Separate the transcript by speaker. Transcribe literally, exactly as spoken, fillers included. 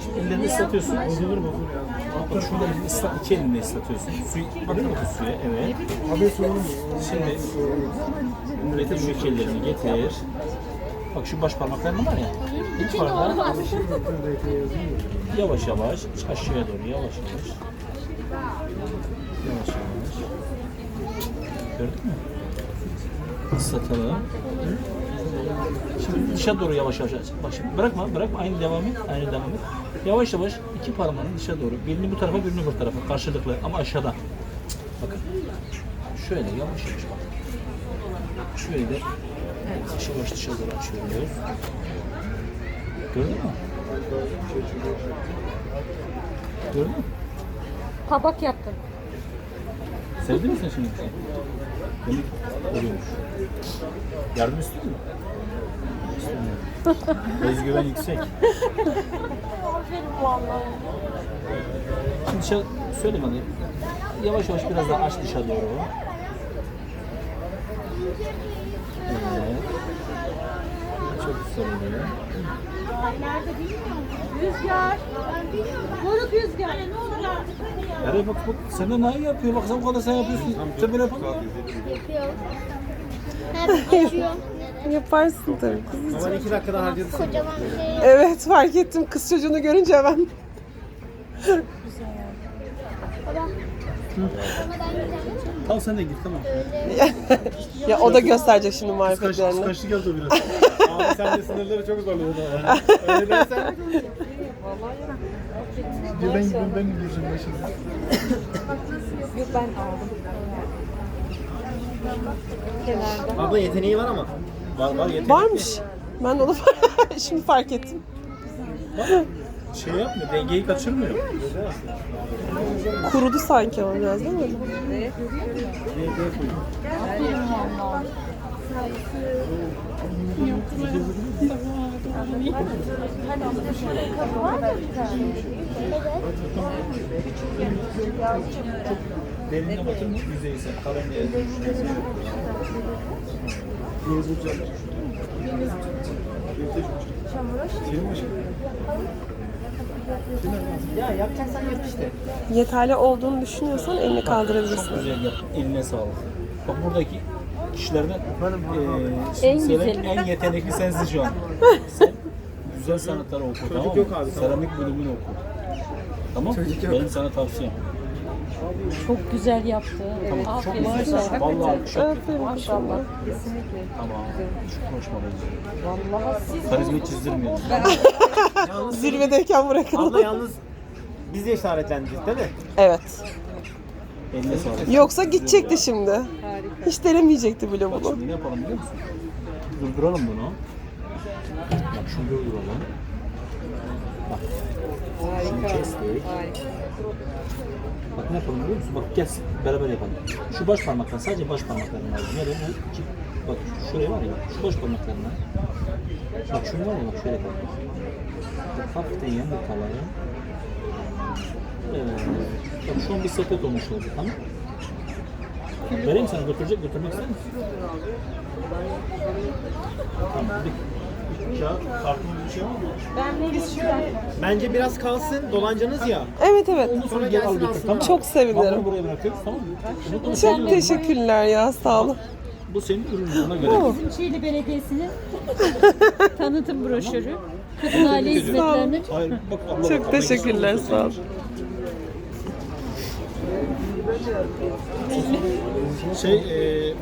Speaker 1: Ellerini ıslatıyorsun. Bozulur bozulur ya. Bak şurada elini ıslat, iki elinle ıslatıyorsun. Suyu, bakın bakın suya, evet.
Speaker 2: Abi sorun mu?
Speaker 1: Şimdi getir şu iki ellerini getir. Bak şu baş parmakların var ya. İlk parmağı yavaş yavaş aşağıya doğru yavaş yavaş. Yavaş yavaş. Gördün mü? Islatalım. Şimdi dışa doğru yavaş yavaş. Bak şimdi bırakma, bırakma. Aynı devam et, aynı devam et. Yavaş yavaş iki parmağını dışa doğru. Birini bu tarafa, birini bu tarafa. Karşılıklı ama aşağıdan. Bakın. Şöyle yavaş yavaş bak. Şöyle yavaş yavaş dışa doğru açıyoruz. Gördün mü? Gördün mü?
Speaker 3: Tabak yaptın.
Speaker 1: Sevdin mi sen şimdi? Demek oluyormuş. Yardım istiyor musun? İstemiyorum. Özgüven yüksek.
Speaker 3: Aferin vallahi.
Speaker 1: Şimdi dışarı, söyle bana. Yavaş yavaş biraz daha aç dışa doğru. Evet. Çok güzel oluyor.
Speaker 3: Nerede bilmiyorum. Rüzgar. Moruk rüzgar. Ne olur artık hadi ya.
Speaker 1: Nereye bak bak. Sen de ne yapıyor? Bak sen bu kadar sen yapıyorsun. Sen böyle yapamıyor.
Speaker 4: Yapıyorum. Hep açıyorum.
Speaker 5: Yaparsın tabii kız.
Speaker 2: Ama iki dakikada harcadı seni.
Speaker 4: Kocaman bir şey yok.
Speaker 5: Evet fark ettim kız çocuğunu görünce ben.
Speaker 4: Baba. Ama ben güzel.
Speaker 1: Tamam sen de git tamam.
Speaker 5: Ya o da gösterecek şimdi
Speaker 2: Kaç,
Speaker 5: marifetlerini.
Speaker 2: kaçlık yazdı biraz. Abi sen de sınırları çok zorladın ama. Öyle dersen. Bir ben gideyim ben mi gireceğim başına?
Speaker 3: Yok ben aldım. Kenarda.
Speaker 2: Abla yeteneği var ama.
Speaker 1: Var var yeter.
Speaker 5: Varmış. Ben de onu şimdi fark ettim.
Speaker 1: Şey yapmıyor, dengeyi kaçırmıyor.
Speaker 5: Kurudu sanki ama biraz değil mi?
Speaker 3: Aferin vallahi.
Speaker 1: Derinine batır mı? Yüzeyse. Kalın diye. Ya yapacaksan yap işte.
Speaker 5: Yeterli olduğunu düşünüyorsan elini
Speaker 1: Çok
Speaker 5: kaldırabilirsin.
Speaker 1: güzel yaptın. Eline sağlık. Bak buradaki kişilerden eee
Speaker 3: En
Speaker 1: söyle,
Speaker 3: güzeli.
Speaker 1: en yetenekli sensin şu an. Sen güzel sanatları oku tamam mı?
Speaker 2: yok abi, tamam.
Speaker 1: Seramik bölümünü oku. Tamam mı?
Speaker 2: Çocuk yok.
Speaker 1: Benim sana tavsiyem.
Speaker 3: Çok güzel yaptı. Evet.
Speaker 1: Tamam, çok
Speaker 3: Aferin.
Speaker 1: güzel. Vallahi alkış hak ettin.
Speaker 3: Maşallah. Kesinlikle.
Speaker 1: Tamam. Çok konuşmalıyız.
Speaker 3: Vallahi siz
Speaker 1: Karizmayı çizdirmiyor.
Speaker 5: Zirvedeyken bırakalım.
Speaker 2: Abla yalnız biz de işaretlendik değil mi?
Speaker 5: Evet.
Speaker 1: Eline sağlık.
Speaker 5: Yoksa gidecekti şimdi.
Speaker 3: harika.
Speaker 5: Hiç denemeyecekti bile
Speaker 1: Bak
Speaker 5: bunu.
Speaker 1: şimdi ne yapalım biliyor musun? Durduralım bunu. Bak şunu durduralım. Bak. Şunu kestik.
Speaker 3: Harika.
Speaker 1: Bak ne yapalım biliyor musun? Bak gel beraber yapalım. Şu baş parmaktan sadece baş parmaklarını lazım. Nereye bu? Bak şuraya var ya bak şu baş parmaklarına. Bak şunu var ya bak şöyle yapalım. Bak hafiften yamurtaları. Evet. Bak şu an bir sepet olmuş oldu tamam. Vereyim sana götürecek götürmek ister misin? Tamam. Bir, bir kağıt, kartın bir şey var mı?
Speaker 3: Ben Melis şuradan.
Speaker 2: Bence biraz kalsın dolancanız ya.
Speaker 5: Evet evet.
Speaker 1: Ondan sonra gel al götür tamam mı?
Speaker 5: Çok
Speaker 1: Bak
Speaker 5: sevinirim.
Speaker 1: bunu buraya bırakıyoruz tamam mı? Bunu
Speaker 5: Çok teşekkürler ya sağ olun.
Speaker 1: Bu senin ürünün ona göre.
Speaker 3: Bizim Çiğli Belediyesi'nin tanıtım broşürü. Kadın aile hizmetlerinin.
Speaker 1: Hayır bak abla.
Speaker 5: Çok teşekkürler sağ olun.
Speaker 1: Şey, e,